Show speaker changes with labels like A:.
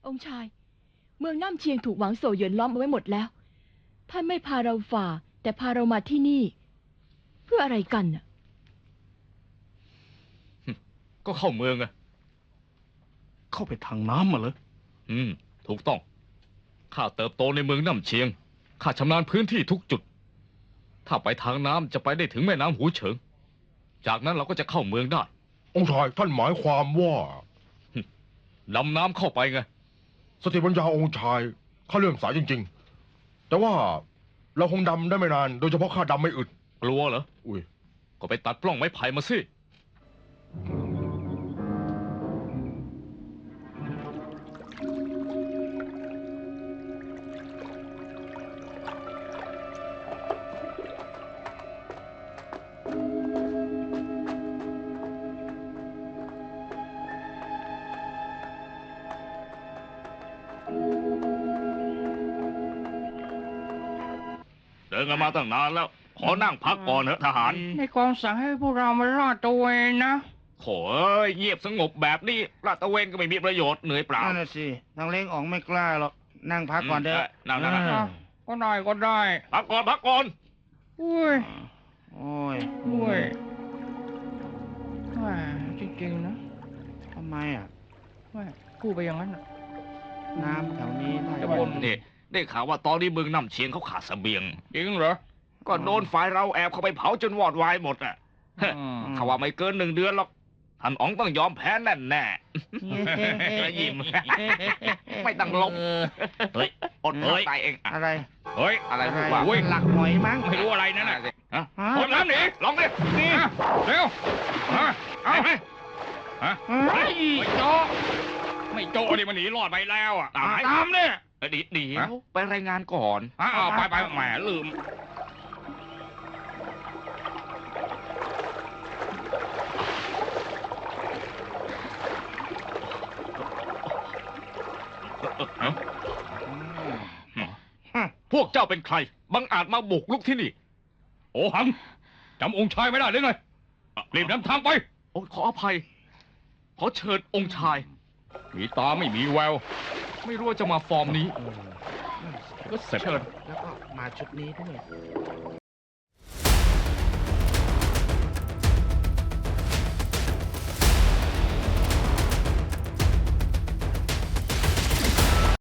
A: องค์ชายเมืองน้ำเชียงถูกหวังโซเหยินล้อมเอาไว้หมดแล้วท่านไม่พาเราฝ่าแต่พาเรามาที่นี่เพื่ออะไรกันน่ะ
B: ก็เข้าเมืองไง
C: เข้าไปทางน้ำมาเลย
B: ถูกต้องข้าเติบโตในเมืองน้ำเชียงข้าชำนาญพื้นที่ทุกจุดถ้าไปทางน้ำจะไปได้ถึงแม่น้ำหูเฉิงจากนั้นเราก็จะเข้าเมืองได้
D: องค์ชายท่านหมายความว่า
B: ดำน้ำเข้าไปไง
D: สติปัญญาองค์ชายข้าเลื่อมใสจริงๆแต่ว่าเราคงดำได้ไม่นานโดยเฉพาะข้าดำไม่อึด
B: กลัวเหรอ
D: อุ้ย
B: ก็ไปตัดปล้องไม้ไผ่มาสิเดินกันมาตั้งนานแล้วขอนั่งพักก่อนเถอะทหาร
E: ในกองสั่งให้พวกเรามาลาดตระเวนนะ
B: โถ่เงียบสงบแบบนี้ลาดตระเวนก็ไม่มีประโยชน์เหนื่อยเปล่า
F: นั่นน่ะสิทางเล้งอ๋องไม่กล้าหรอกนั่งพักก่อนเถอะ
B: นั่ง
E: ก็ได้
B: พักก่อน
E: อุ้ย
F: โอ้ย
E: ว่าจริงๆนะ
F: ทำไม
E: ว่าพูดไปอย่างนั้น
F: น้ำแถวนี้
B: จะบ่นนี่ได้ข่าวว่าตอนนี้เมืองน้ำเชียงเขาขาดเสบียง
E: จริงเหรอ
B: ก็โดนฝ่ายเราแอบเข้าไปเผาจนวอดวายหมดอ่ะเขาว่าไม่เกิน1 เดือนหรอกท่านอ๋องต้องยอมแพ้แน่ยิ้มไม่ต้องลบเฮ้ยอดตายเอง
F: อะไร
B: อะไรพูดว่า
F: หลักหอยมั้ง
B: ไม่รู้อะไรนั่นน่ะโดนน้ำหนีลองดินี่เร็วเอาไหมไม่โจดิมันหนีรอดไปแล้วอ่ะ
F: ตามเนี่ย
B: ดีไปรายงานก่อนไปแหมลืมพวกเจ้าเป็นใครบังอาจมาบุกลุกที่นี่
C: โอหังจำองค์ชายไม่ได้หรือไงรีบนำทางไป
B: ขออภัยขอเชิญองค์ชาย
C: มีตาไม่มีแวว
B: ไม่รู้ว่าจะมาฟอร์มนี้
C: ก็เสร็จ
F: แล้วก็มาชุดนี้ด้วย